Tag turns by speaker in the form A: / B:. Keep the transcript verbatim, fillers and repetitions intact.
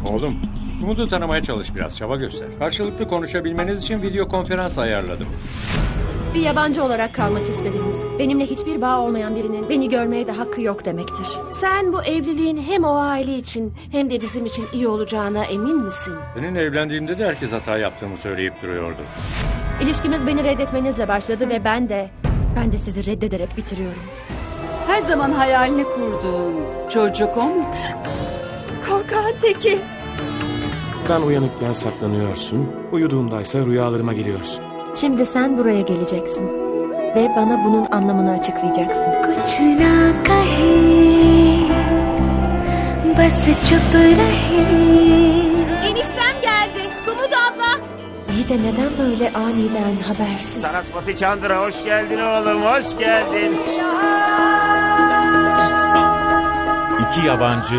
A: Oğlum, Umut'u tanımaya çalış biraz, çaba göster. Karşılıklı konuşabilmeniz için video konferans ayarladım.
B: Bir yabancı olarak kalmak istedim. Benimle hiçbir bağ olmayan birinin beni görmeye de hakkı yok demektir.
C: Sen bu evliliğin hem o aile için hem de bizim için iyi olacağına emin misin?
A: Seninle evlendiğimde de herkes hata yaptığımı söyleyip duruyordu.
B: İlişkimiz beni reddetmenizle başladı ve ben de... Ben de sizi reddederek bitiriyorum.
D: Her zaman hayalini kurduğun çocuk o mu?
B: Korkağın teki.
E: Ben uyanıkken saklanıyorsun, uyuduğumdaysa rüyalarıma geliyorsun.
B: Şimdi sen buraya geleceksin. Ve bana bunun anlamını açıklayacaksın.
F: कुछ ना कहे बस चुप रहे.
C: Eniştem geldi. Sumut abla.
B: İyi de neden böyle aniden habersiz?
G: Sarasvati Chandra hoş geldin oğlum, hoş geldin.
H: İki yabancı